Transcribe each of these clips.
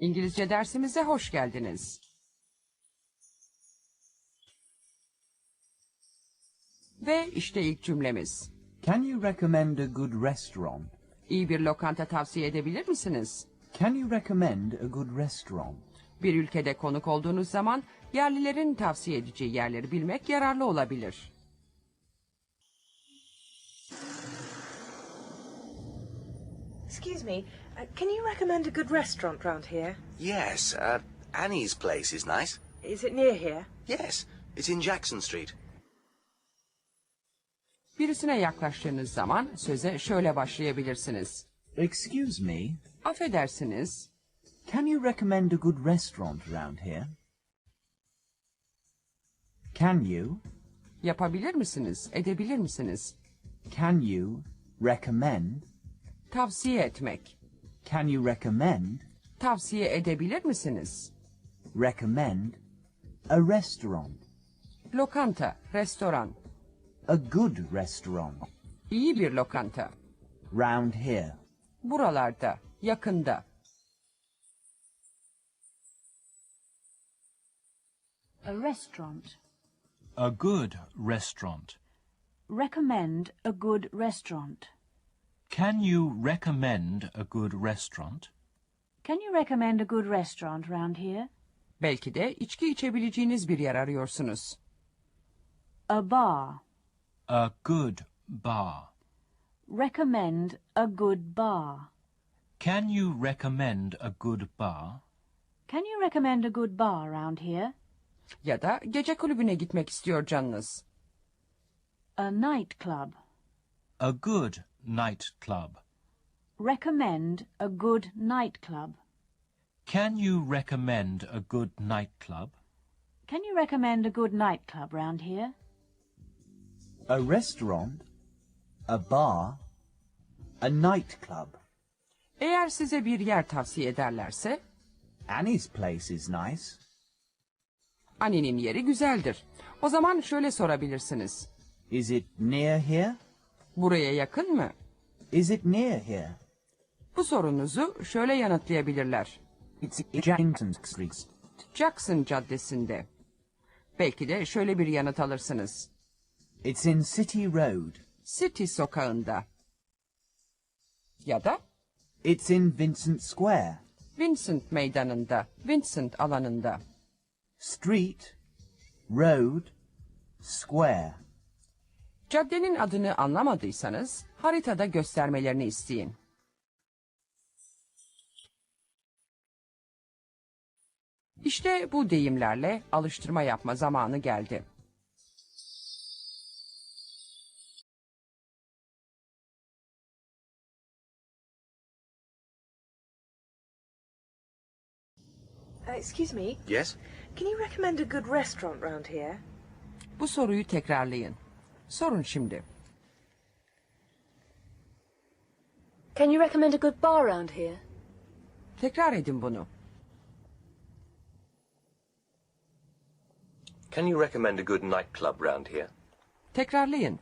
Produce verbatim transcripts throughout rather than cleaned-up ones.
İngilizce dersimize hoş geldiniz. Ve işte ilk cümlemiz. Can you recommend a good restaurant? İyi bir lokanta tavsiye edebilir misiniz? Can you recommend a good restaurant? Bir ülkede konuk olduğunuz zaman yerlilerin tavsiye edeceği yerleri bilmek yararlı olabilir. Excuse me, uh, can you recommend a good restaurant round here? Yes, uh, Annie's place is nice. Is it near here? Yes, it's in Jackson Street. Birisine yaklaştığınız zaman söze şöyle başlayabilirsiniz. Excuse me, Affedersiniz, can you recommend a good restaurant around here? Can you, yapabilir misiniz, edebilir misiniz? can you recommend, Tavsiye etmek. can you recommend, Tavsiye edebilir misiniz? recommend, a restaurant, Lokanta, restoran. a good restaurant, İyi bir lokanta. round here? Buralarda, yakında. A restaurant. A good restaurant. Recommend a good restaurant. Can you recommend a good restaurant? Can you recommend a good restaurant round here? Belki de içki içebileceğiniz bir yer arıyorsunuz. A bar. A good bar. Recommend a good bar. Can you recommend a good bar? Can you recommend a good bar round here? Ya da gece kulübüne gitmek istiyor canınız. A nightclub. A good nightclub. Recommend a good nightclub. Can you recommend a good nightclub? Can you recommend a good nightclub round here? A restaurant, a bar, a nightclub. Eğer size bir yer tavsiye ederlerse, Annie's place is nice. Annenin yeri güzeldir. O zaman şöyle sorabilirsiniz. Is it near here? Buraya yakın mı? Is it near here? Bu sorunuzu şöyle yanıtlayabilirler. It's in Jackson Street. Jackson Caddesi'nde. Belki de şöyle bir yanıt alırsınız. It's in City Road. City sokağında. Ya da It's in Vincent Square. Vincent meydanında, Vincent alanında. Street, road, square. Caddenin adını anlamadıysanız haritada göstermelerini isteyin. İşte bu deyimlerle alıştırma yapma zamanı geldi. Uh, excuse me, Yes? can you recommend a good restaurant round here? Bu soruyu tekrarlayın. Sorun şimdi. Can you recommend a good bar round here? Tekrar edin bunu. Can you recommend a good nightclub round here? Tekrarlayın.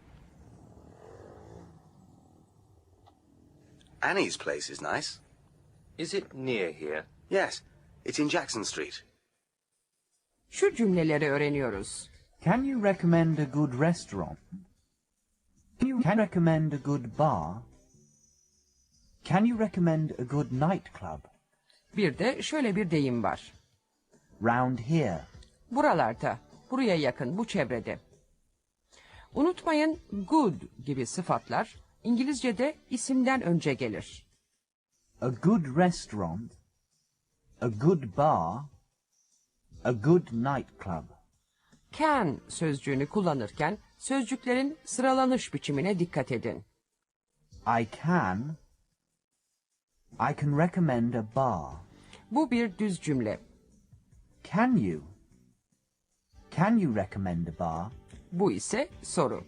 Annie's place is nice. Is it near here? Yes, it's in Jackson Street. Şu cümleleri öğreniyoruz. Can you recommend a good restaurant? Can you can recommend a good bar? Can you recommend a good nightclub? Bir de şöyle bir deyim var. Round here. Buralarda, buraya yakın, bu çevrede. Unutmayın, good gibi sıfatlar İngilizce'de isimden önce gelir. A good restaurant, a good bar, a good nightclub. Can sözcüğünü kullanırken sözcüklerin sıralanış biçimine dikkat edin. I can, I can recommend a bar. Bu bir düz cümle. Can you? Can you recommend a bar? Bu ise soru.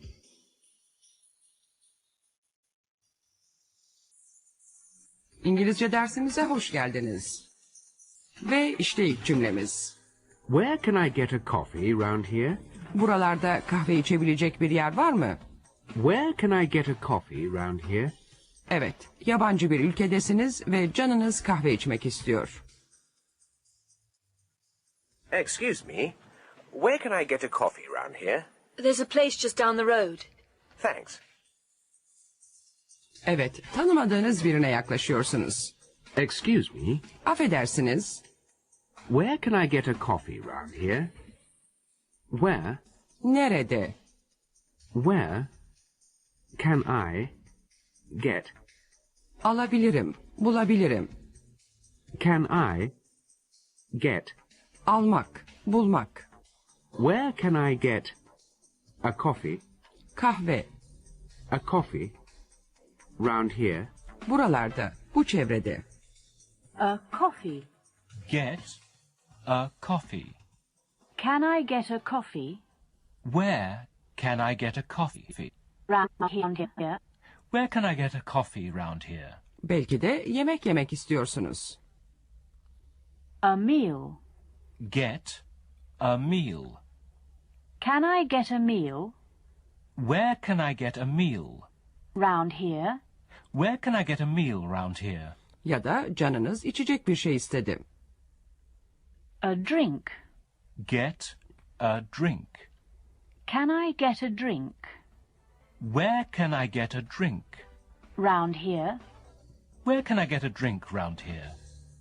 İngilizce dersimize hoş geldiniz. Ve işte ilk cümlemiz. Where can I get a coffee round here? Buralarda kahve içebilecek bir yer var mı? Where can I get a coffee round here? Evet, yabancı bir ülkedesiniz ve canınız kahve içmek istiyor. Excuse me, where can I get a coffee round here? There's a place just down the road. Thanks. Evet, tanımadığınız birine yaklaşıyorsunuz. Excuse me, Affedersiniz, where can I get a coffee round here? Where, nerede? where can I get, Alabilirim, bulabilirim. can I get, Almak, bulmak. where can I get a coffee, Kahve, a coffee round here? buralarda, bu çevrede. A coffee. Get a coffee. Can I get a coffee Where can I get a coffee? round here? Where can I get a coffee round here? Belki de yemek yemek istiyorsunuz. A meal. Get a meal. Can I get a meal Where can I get a meal? round here? Where can I get a meal round here? Ya da canınız içecek bir şey istedi. A drink. Get a drink. Can I get a drink Where can I get a drink? round here? Where can I get a drink round here?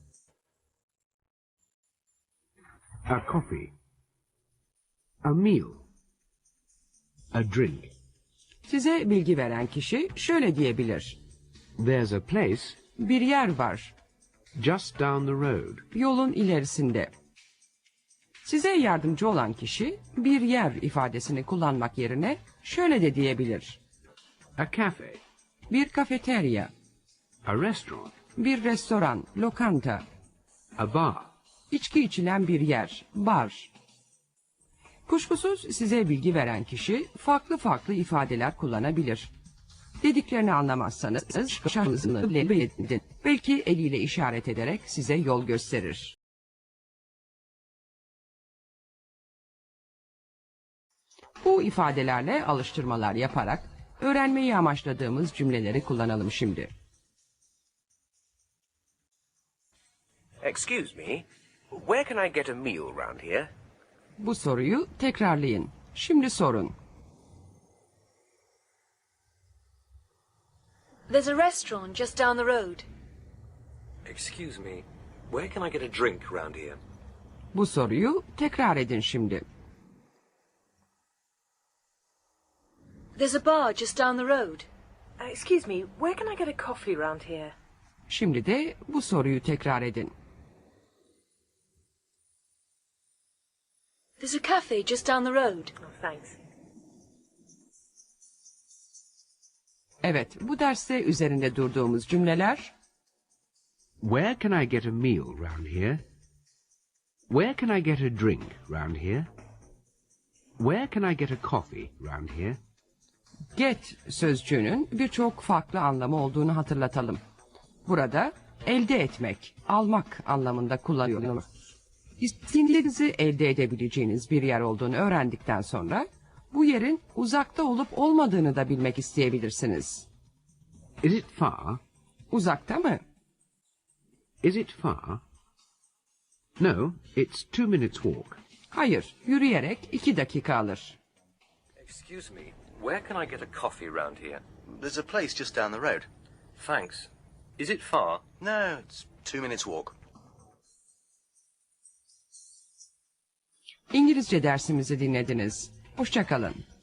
A coffee, a meal, a drink. Size bilgi veren kişi şöyle diyebilir. There's a place Bir yer var, just down the road. yolun ilerisinde. Size yardımcı olan kişi bir yer ifadesini kullanmak yerine şöyle de diyebilir. A cafe, Bir kafeterya, a restaurant, bir restoran, lokanta, a bar. içki içilen bir yer, bar. Kuşkusuz size bilgi veren kişi farklı farklı ifadeler kullanabilir. Dediklerini anlamazsanız şansını edin. Belki eliyle işaret ederek size yol gösterir. Bu ifadelerle alıştırmalar yaparak öğrenmeyi amaçladığımız cümleleri kullanalım şimdi. Excuse me, where can I get a meal round here? Bu soruyu tekrarlayın. Şimdi sorun. There's a restaurant just down the road. Excuse me, where can I get a drink round here? Bu soruyu tekrar edin şimdi. There's a bar just down the road. Uh, excuse me, where can I get a coffee round here? Şimdi de bu soruyu tekrar edin. There's a cafe just down the road. Oh, thanks. Evet, bu derste üzerinde durduğumuz cümleler Where can I get a meal round here? Where can I get a drink round here? Where can I get a coffee round here? get sözcüğünün birçok farklı anlamı olduğunu hatırlatalım. Burada elde etmek, almak anlamında kullanılıyor. İstediğinizi elde edebileceğiniz bir yer olduğunu öğrendikten sonra bu yerin uzakta olup olmadığını da bilmek isteyebilirsiniz. Is it far? Uzakta mı? Is it far? No, it's two minutes walk. Hayır, yürüyerek iki dakika alır. Excuse me, where can I get a coffee round here? There's a place just down the road. Thanks. Is it far? No, it's two minutes walk. İngilizce dersimizi dinlediniz. Hoşça kalın.